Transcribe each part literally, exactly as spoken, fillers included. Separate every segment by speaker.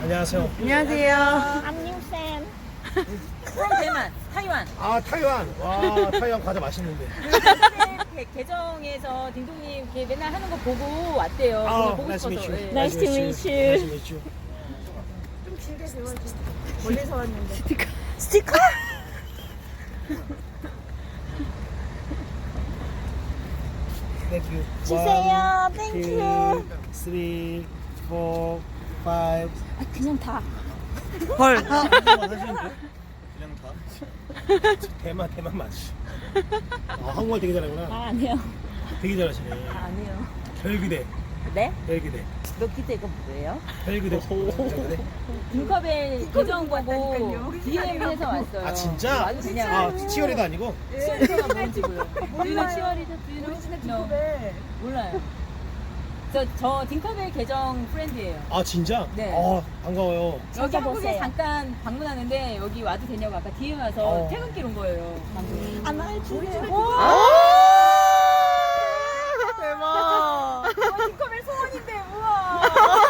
Speaker 1: 안녕하세요.
Speaker 2: 안녕하세요.
Speaker 3: I'm New Sam.
Speaker 4: from 대만, 타이완.
Speaker 1: 아 타이완. 와 타이완 과자 맛있는데.
Speaker 4: 그 계정에서 딩동님 이렇게 맨날 하는 거 보고 왔대요.
Speaker 1: 아,
Speaker 4: 그래서 보고
Speaker 1: nice to
Speaker 4: 싶어서.
Speaker 1: meet you.
Speaker 4: 예.
Speaker 3: Nice to meet you.
Speaker 1: Nice to meet you.
Speaker 3: 좀 길게 배워주세요. 멀리서 왔는데.
Speaker 2: 스티커?
Speaker 1: Thank you.
Speaker 3: 주세요.
Speaker 1: One,
Speaker 3: Thank
Speaker 1: two,
Speaker 3: you.
Speaker 1: three, four, five.
Speaker 3: 아, 그냥 다.
Speaker 2: 헐.
Speaker 1: 그냥 다. 대만 대만 맛이. 아 한국말 되게 잘하구나.
Speaker 3: 아, 아니요.
Speaker 1: 되게 잘하시네.
Speaker 4: 아, 아니에요.
Speaker 1: 별그대.
Speaker 4: 네?
Speaker 1: 별그대.
Speaker 4: 너 기대 이거 뭐예요?
Speaker 1: 별그대. 별그대.
Speaker 4: 딩컵의 계정 보고 디엠에서 왔어요.
Speaker 1: 아 진짜?
Speaker 4: 아주 그냥
Speaker 1: 아 치어리도 아니고?
Speaker 4: 치어리더가 뭔지고요. 우리는 치어리더, 우리는 몰라요. 저, 저 딩컵의 계정 프렌드예요.
Speaker 1: 아 진짜?
Speaker 4: 네.
Speaker 1: 아 반가워요.
Speaker 4: 여기 한국에
Speaker 3: 보세요.
Speaker 4: 잠깐 방문하는데 여기 와도 되냐고 아까 디엠 와서
Speaker 1: 어.
Speaker 4: 퇴근길 온 거예요. 방금.
Speaker 3: 아, 나 주세요.
Speaker 2: 대박.
Speaker 4: 와, 딩컵의 소원인데, 우와.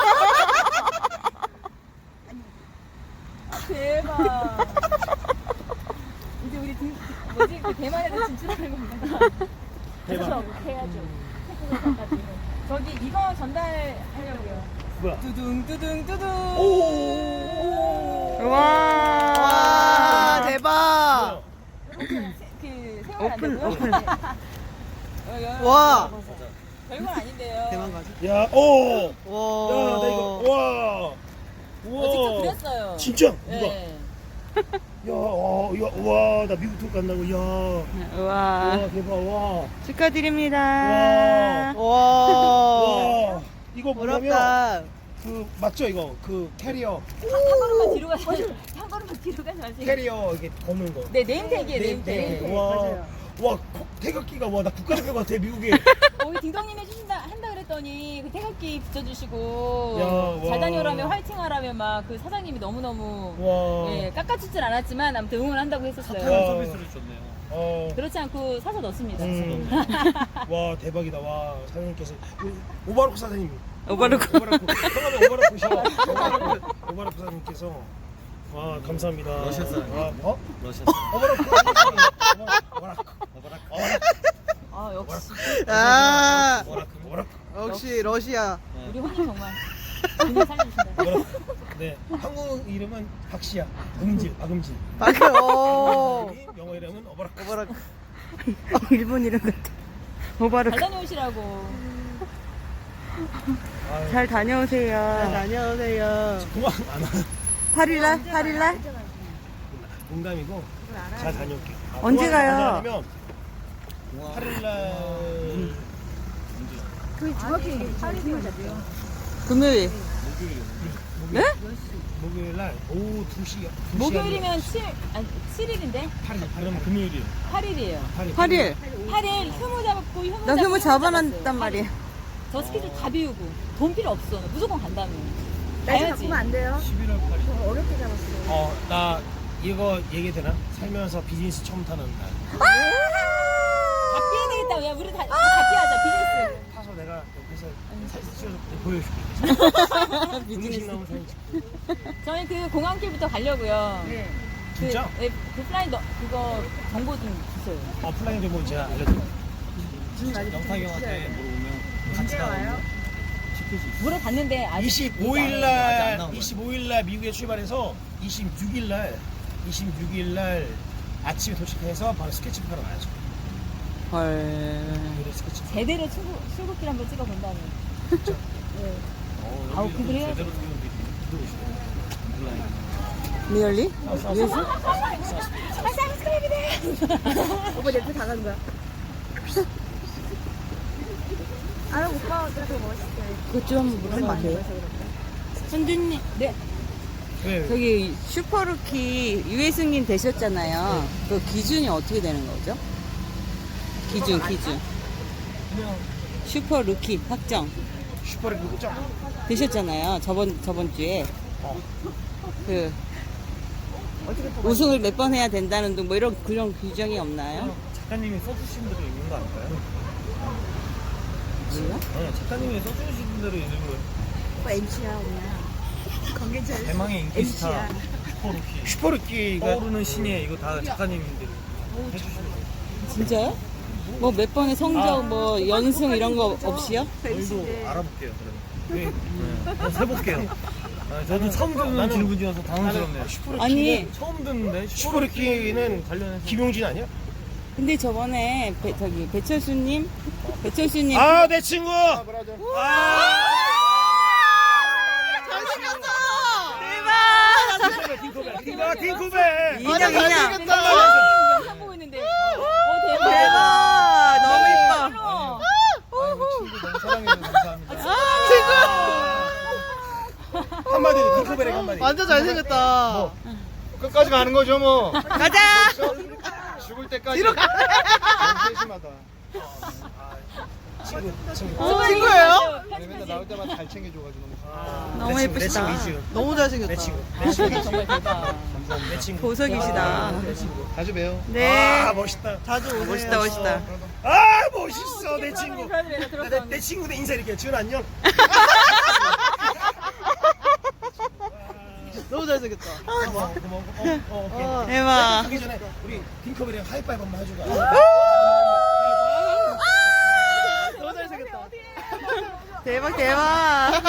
Speaker 4: 아, 대박. 이제 우리 딩, 뭐지? 그 대만에도 진출하는 건가?
Speaker 1: 대박.
Speaker 3: 해야죠.
Speaker 4: 저기 이거 전달하려고요.
Speaker 1: 뭐야?
Speaker 4: 두둥, 두둥, 두둥.
Speaker 1: 오.
Speaker 2: 와. 와, 대박.
Speaker 4: 그 세월 안
Speaker 2: 오픈,
Speaker 4: 되고요.
Speaker 2: 오픈.
Speaker 4: 네. 어, 여-
Speaker 2: 와.
Speaker 4: 별건 아닌데요.
Speaker 2: 대만 가지.
Speaker 1: 야, 오. 야,
Speaker 2: 와.
Speaker 1: 나 이거 와. 우와.
Speaker 4: 어, 직접 그렸어요.
Speaker 1: 진짜? 누가?
Speaker 4: 네.
Speaker 1: 야, 와, 야, 와, 나 미국 투어 간다고. 야.
Speaker 2: 와.
Speaker 1: 와, 대박. 와.
Speaker 2: 축하드립니다.
Speaker 1: 와.
Speaker 2: 와.
Speaker 1: 와. 이거 뭐냐면
Speaker 2: 부럽다.
Speaker 1: 그 맞죠 이거? 그 캐리어.
Speaker 4: 한, 한 걸음만 뒤로 가서 한 걸음만 뒤로 가서 하세요.
Speaker 1: 캐리어 이게 거는 거.
Speaker 4: 네, 네임택이에요,
Speaker 1: 네,
Speaker 4: 네임택.
Speaker 1: 네. 와. 와, 코- 태극기가 와, 나 국가대표 같아, 미국에.
Speaker 4: 우리 딩동님 해주신다 한다 그랬더니 그 태극기 붙여주시고
Speaker 1: 야, 와.
Speaker 4: 잘 다녀오라며 화이팅하라며 막 그 사장님이 너무 너무
Speaker 1: 와.
Speaker 4: 예, 깎아주진 않았지만 아무튼 응원한다고 했었어요.
Speaker 1: 와.
Speaker 5: 서비스를 줬네요.
Speaker 1: 어.
Speaker 4: 그렇지 않고 사서 넣습니다.
Speaker 1: 음. 와, 대박이다. 와, 사장님께서 오- 오바로크 사장님.
Speaker 2: 오바로크.
Speaker 1: 오바로크. 성함이 오바로크셔. 오바로크, 오바로크 사장님께서 와, 감사합니다.
Speaker 5: 러시아 사람.
Speaker 1: 와, 어?
Speaker 5: 러시아
Speaker 1: 오바로크. 오바로크.
Speaker 5: 오바라크.
Speaker 4: 아 역시
Speaker 2: 아.
Speaker 1: 오바로크. 오바로크.
Speaker 2: 역시 러시아.
Speaker 4: 우리 혼님 정말 정말 살려주신다.
Speaker 1: 오바로크. 네, 한국 이름은 박시야. 음질, 박음질.
Speaker 2: 방금. 오.
Speaker 1: 영어 이름은 오바로크.
Speaker 2: 오바로크. 어, 일본 이름 같아.
Speaker 4: 잘
Speaker 2: 오바로크.
Speaker 4: 다녀오시라고.
Speaker 1: 아유,
Speaker 2: 잘 다녀오세요. 잘 다녀오세요.
Speaker 1: 그만 안 와.
Speaker 2: 팔 일날? 팔 일날?
Speaker 1: 농담이고 잘 다녀올게. 아,
Speaker 2: 언제
Speaker 1: 그만
Speaker 2: 가요?
Speaker 1: 가자면 팔 일날
Speaker 3: 그 정확히 팔이 되어졌대요.
Speaker 2: 금요일. 네?
Speaker 1: 목요일 날 오후 두 시.
Speaker 4: 목요일이면 칠 아니 칠 일인데
Speaker 1: 팔 일. 그럼 금요일이요.
Speaker 4: 팔 일이에요.
Speaker 2: 팔 일.
Speaker 4: 팔 일 휴무 잡고 휴무
Speaker 2: 나
Speaker 4: 잡고
Speaker 2: 휴무 잡아놨단
Speaker 4: 잡았어요.
Speaker 2: 말이야.
Speaker 4: 저 스케줄 다 비우고 돈 필요 없어. 무조건 간다며.
Speaker 3: 날짜
Speaker 4: 가야지.
Speaker 3: 바꾸면 안 돼요.
Speaker 5: 십일월 팔 일.
Speaker 3: 저 어렵게 잡았어요.
Speaker 1: 어, 나 이거 얘기 되나? 살면서 비즈니스 처음 타는 날.
Speaker 4: 다 피해야 되겠다. 야 우리 다, 다 피하자. 비즈니스.
Speaker 1: 타서 내가 옆에서 사진 찍어서 보여줄게. 음식 나오면 사진 찍고.
Speaker 4: 저희 그 공항길부터 가려고요.
Speaker 3: 네.
Speaker 4: 그,
Speaker 1: 진짜?
Speaker 4: 예, 그 플라이 너, 그거 정보 좀 주세요.
Speaker 1: 어, 플라잉 정보 제가 알려드릴게요.
Speaker 5: 영탁이 형한테 물어보면 같이
Speaker 3: 언제 와요?
Speaker 5: 나가면 시킬 수 있어.
Speaker 4: 물어봤는데 아직
Speaker 1: 이십오 일
Speaker 5: 아직 안
Speaker 1: 날
Speaker 5: 나온 거야.
Speaker 1: 이십오 일 날 미국에 출발해서 이십육 일 날 이십육 일 날 아침에 도착해서 바로 스케치 하러 가야죠.
Speaker 2: 헐.
Speaker 1: 그래 스케치.
Speaker 4: 제대로 출국, 출국길 한번 찍어본다면.
Speaker 1: 진짜.
Speaker 4: 네.
Speaker 5: 어,
Speaker 4: 아우,
Speaker 5: 여기
Speaker 4: 그걸 해야지.
Speaker 5: 제대로 찍은 게 들어오시네.
Speaker 2: 리얼리?
Speaker 3: 오빠 내거 다 가는 거야. 아, 오빠 되게 멋있어요.
Speaker 2: 그것 좀 한번 물어봐도 돼요? 현주님, 네.
Speaker 1: 왜?
Speaker 2: 저기 슈퍼루키 유해승님 되셨잖아요. 그 기준이 어떻게 되는 거죠? 기준, 기준.
Speaker 1: 그냥
Speaker 2: 슈퍼루키 확정
Speaker 1: 슈퍼를 그거죠?
Speaker 2: 되셨잖아요. 저번 저번 주에
Speaker 1: 어.
Speaker 2: 그 우승을 몇 번 해야 된다는 등 뭐 이런 그런 규정이 없나요?
Speaker 5: 작가님이 써주신 대로 읽는 거 아닐까요?
Speaker 2: 몰라?
Speaker 5: 네, 작가님이 써주신 대로 읽는 거예요.
Speaker 3: 오빠 엠씨야, 그냥.
Speaker 5: 대망의 인기 스타 슈퍼루키.
Speaker 1: 슈퍼루키가
Speaker 5: 떠오르는 신예 이거 다 작가님들이 해주시는 거예요.
Speaker 2: 진짜요? 뭐 몇 번의 성적, 뭐 연승 이런 거 없이요?
Speaker 5: 저희도 알아볼게요. 그러면.
Speaker 1: 왜?
Speaker 5: 네. 한번 해볼게요. 아, 저도 처음 듣는
Speaker 1: 나는-
Speaker 5: 질문이어서 당황스럽네요.
Speaker 1: 슈퍼루키
Speaker 2: 아니
Speaker 5: 처음 듣는데
Speaker 1: 슈퍼루키는
Speaker 5: 관련해서
Speaker 1: 김용진 아니야?
Speaker 2: 근데 저번에 배, 저기 배철수님 배철수님
Speaker 1: 아 내 친구. 아, 딩코벨 딩코벨.
Speaker 2: 인형 인형
Speaker 4: 영상 보고 있는데. 어, 대박.
Speaker 2: 대박 너무 이뻐
Speaker 5: 친구 너무 사랑해서 감사합니다.
Speaker 1: 한마디로 딩코벨에 한마디.
Speaker 6: 완전 잘생겼다. 끝까지 가는 거죠, 뭐.
Speaker 2: 가자
Speaker 6: 죽을 때까지. 너무 세심하다.
Speaker 1: 친구 친구.
Speaker 6: 친구예요? 맨날 나올 때마다 잘 챙겨줘가지고.
Speaker 2: 너무
Speaker 1: 내 친구, 내
Speaker 2: 예쁘시다
Speaker 1: 친구, 이 친구.
Speaker 6: 너무 잘생겼다.
Speaker 1: 내 친구 내 친구
Speaker 4: 정말 대박.
Speaker 1: 내 친구.
Speaker 2: 보석이시다
Speaker 1: 내 친구.
Speaker 6: 자주 봬요.
Speaker 2: 네
Speaker 1: 아 멋있다.
Speaker 6: 자주 오세요.
Speaker 2: 멋있다 멋있다
Speaker 1: 아 멋있어 내 친구.
Speaker 4: 내가
Speaker 1: 내,
Speaker 4: 들었어.
Speaker 1: 내 친구들 인사 이렇게 지훈 안녕.
Speaker 6: 너무 잘생겼다.
Speaker 1: 고마워 고마워. 어, 어, 오케이.
Speaker 6: 어.
Speaker 2: 대박
Speaker 1: 하기 전에 우리 딩커벨이랑 하이파이브 한번 해주자.
Speaker 6: 너무 잘생겼다.
Speaker 2: 대박 대박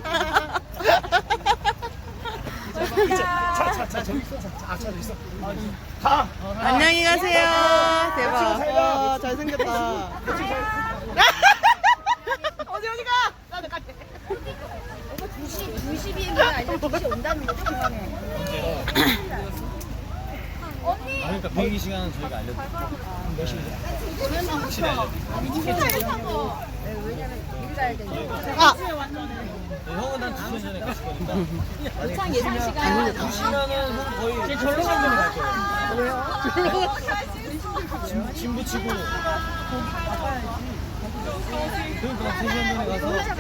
Speaker 1: 자자자 저기 있어. 자 저기 있어. 가.
Speaker 2: 안녕히 가세요 대박
Speaker 6: 와, 잘생겼다.
Speaker 3: 어디 어디 가? 나도 갈게. 오빠 두 시 두 시 비행기가 아니라 두 시 온다는 거죠, 그러면? 언니.
Speaker 5: 그러니까 비행기 시간은 저희가 알려드릴게요.
Speaker 1: 몇 시인데?
Speaker 5: 확실히 알려드릴게요.
Speaker 3: 왜냐면 미리 가야 되니까.
Speaker 6: 아!
Speaker 5: 네, 형은 한 두 시간 전에 갔을 거니까.
Speaker 4: 도착 예상 시간.
Speaker 5: 두 시간은 형 거의 제 절로 갈 전에 갈 거예요. 짐, 짐 붙이고. 그러니까 세 시간 전에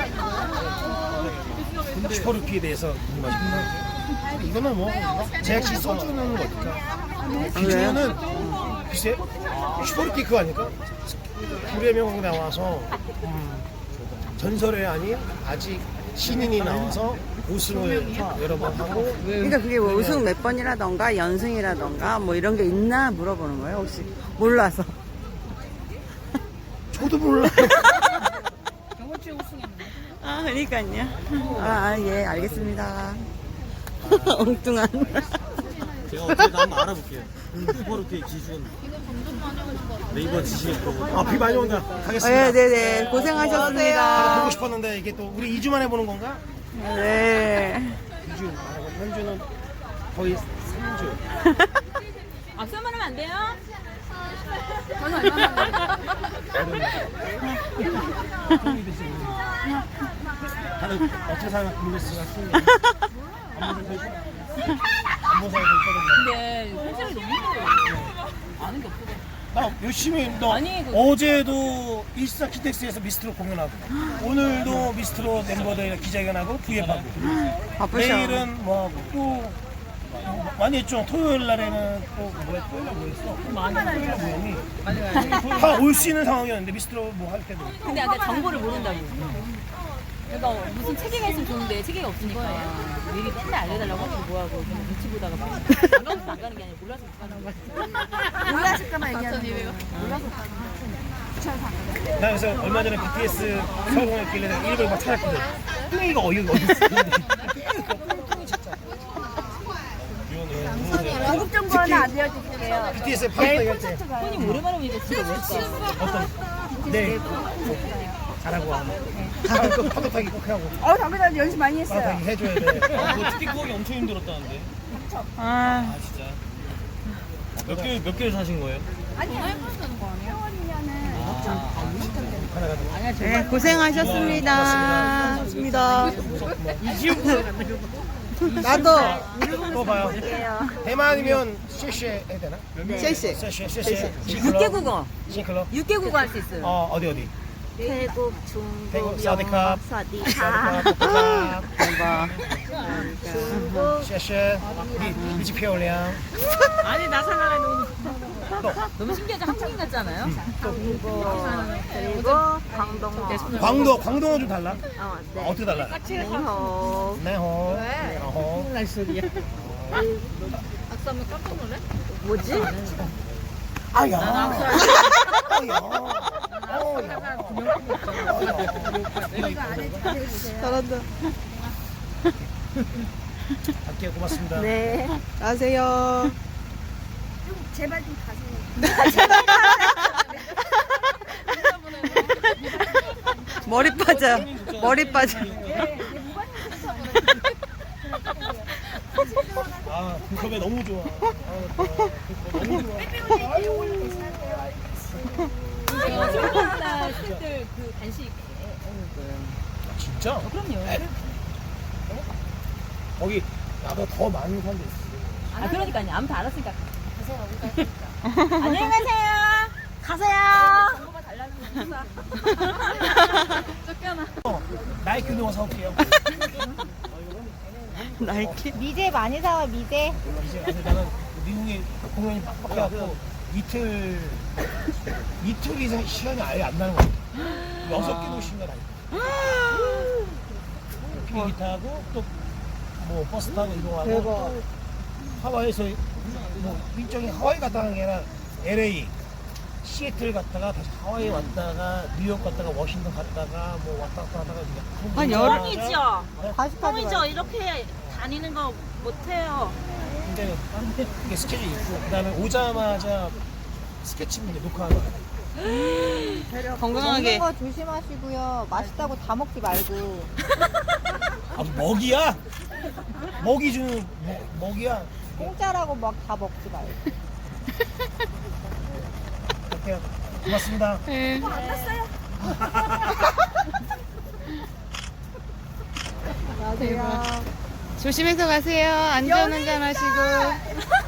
Speaker 5: 가서.
Speaker 1: 슈퍼루키에 대해서 궁금하십니까? 이거는 뭐 제작진 써주는 거니까. 기준은 글쎄 슈퍼루키 그거 아닐까? 불의 명곡 나와서 음, 전설의 아닌 아직 신인이 나와서 우승을 여러 번 하고.
Speaker 2: 그러니까 그게 뭐 우승 몇 번이라던가 연승이라던가 뭐 이런 게 있나 물어보는 거예요 혹시 몰라서
Speaker 1: 저도 몰라요.
Speaker 4: 저번 주에 우승했는데.
Speaker 2: 아 그러니까요 아예 알겠습니다 엉뚱한
Speaker 5: 제가 어떻게든 한번 알아볼게요. 슈퍼루키의 기준. 네이버 지식에 들어보고.
Speaker 1: 아 비 많이 온다. 가겠습니다.
Speaker 2: 네네네 고생하셨습니다
Speaker 1: 보고 싶었는데 이게 또 우리 이 주 만에 보는 건가?
Speaker 2: 네
Speaker 1: 이 주 말고 현주는 거의 삼 주.
Speaker 4: 악수 한번 하면 안 돼요?
Speaker 3: 저는 얼마나
Speaker 1: 다들 어떻게 사는 블루스가 승리. 안보사에서 있거든요.
Speaker 4: 근데 현실이 너무 힘들어요. 아는 게 없어.
Speaker 1: 나 열심히 너
Speaker 4: 아니, 그-
Speaker 1: 어제도 일사 키텍스에서 미스트로 공연하고 오늘도 미스트로 멤버들 기자회견하고 브이앱하고
Speaker 2: 바쁘셔
Speaker 1: 내일은 뭐 또 많이 했죠. 토요일 날에는 또 뭐야 토요일 날 뭐했어? 많이 토요일 모임이 다 올 수 있는 상황이었는데 미스트로 뭐 할 때도
Speaker 4: 근데 아까 정보를 모른다고. 그러니까 무슨 체계가 있으면 좋은데 체계가 없으니까 미리 맨날 알려달라고 하면 뭐하고 그냥 눈치 보다가 막 안 가면 안 가는 게 아니라 몰라서 못 가는 거야.
Speaker 3: 몰라실까만 얘기하는 거예요.
Speaker 1: 나 그래서 얼마 전에 비티에스 성공했길래 내가 일부러 막 찾았거든. 뚱이가 어이가 어디 있어?
Speaker 3: 고급 정보 하나 알려드릴게요.
Speaker 1: 비티에스 파스타 얘기할 때
Speaker 4: 손님 오랜만에 보니까 진짜 멋있다.
Speaker 1: 어떤 네 잘하고 하고 파도 파도 타기 꼭 하고
Speaker 3: 어, 당근한 연습 많이
Speaker 1: 파도
Speaker 3: 했어요.
Speaker 1: 타기 해줘야 돼.
Speaker 5: 아, 그 티켓 구하기 엄청 힘들었다는데.
Speaker 2: 아
Speaker 5: 아, 진짜. 몇 개, 몇 개를 사신 거예요?
Speaker 3: 아니, 회원이냐는
Speaker 5: 아,
Speaker 2: 네, 고생하셨습니다
Speaker 6: 좋습니다.
Speaker 2: 나도
Speaker 1: 또 봐요. 대만이면 쉐쉐 해야 되나?
Speaker 6: 쉐쉐.
Speaker 1: 쉐쉐 쉐쉐.
Speaker 4: 육 개 국어.
Speaker 1: 싱클럽.
Speaker 4: 육 개 국어 할 수 있어요.
Speaker 1: 어 어디 어디?
Speaker 3: 태국,
Speaker 1: 태국,
Speaker 3: 중국,
Speaker 1: 사디캅.
Speaker 3: 영어, 사디캅.
Speaker 1: 사디캅.
Speaker 2: 대박
Speaker 3: 중국,
Speaker 1: 谢谢你，你去漂亮。
Speaker 4: 아니 나 생각하는 오늘 너무 신기하죠? 한국인 같지 않아요?
Speaker 3: 그리고 광동어.
Speaker 1: 광도, 광동어 좀 달라?
Speaker 3: 어,
Speaker 1: 아, 어떻게 달라?
Speaker 3: 네호.
Speaker 1: 네호. 어허.
Speaker 5: 날 소리야.
Speaker 4: 악수하면 깜짝 놀래?
Speaker 3: 뭐지?
Speaker 1: 아야. 아야. 어야.
Speaker 3: 잘한다.
Speaker 1: 갈게요. 고맙습니다.
Speaker 3: 네.
Speaker 5: 가세요.
Speaker 3: 제발 좀 가세요.
Speaker 2: 머리 빠져. 머리 빠져.
Speaker 1: 아, 그 컵에 너무 좋아. 아, 그 컵에 너무 좋아.
Speaker 4: 제가 출근날 스태프들 그 간식.
Speaker 1: 아, 진짜?
Speaker 4: 그럼요.
Speaker 1: 거기 나보다 더 많은 사람들 있어.
Speaker 4: 아, 그러니까요. 아무튼 알았으니까. 가세요. 안녕히 가세요. 가세요. 정보가 달라는 거구나. 쫓겨나.
Speaker 1: 어, 나이키 운동화 사올게요.
Speaker 2: 나이키?
Speaker 3: 미제 많이 사와 미제.
Speaker 1: 이제 가서 나는 미국에 공연이 빡빡해갖고 이틀 이틀 이상 시간이 아예 안 나는 것 같아. 여섯 개 도시인가 다니고. 비행기 타고 또 뭐 버스 타고 이동하고 또 하와이에서 뭐 일정이 하와이 갔다 가는 게 아니라 엘에이, 시애틀 갔다가 다시 하와이 왔다가 뉴욕 갔다가 워싱턴 갔다가 뭐 왔다 갔다 하다가
Speaker 2: 한 열흘
Speaker 3: 뻥이죠.
Speaker 1: 다시
Speaker 3: 뻥이죠. 이렇게 다니는 거 못해요.
Speaker 1: 근데 이게 스케줄이 있고 그다음에 오자마자 스케치북 녹화하는 거야.
Speaker 2: 건강하게.
Speaker 3: 먹는 거 조심하시고요. 맛있다고 다 먹지 말고.
Speaker 1: 아, 먹이야? 먹이 주는 먹, 먹이야?
Speaker 3: 공짜라고 막 다 먹지 말고.
Speaker 1: 갈게요. 고맙습니다.
Speaker 3: 가세요.
Speaker 2: 조심해서 가세요. 안전운전 하시고.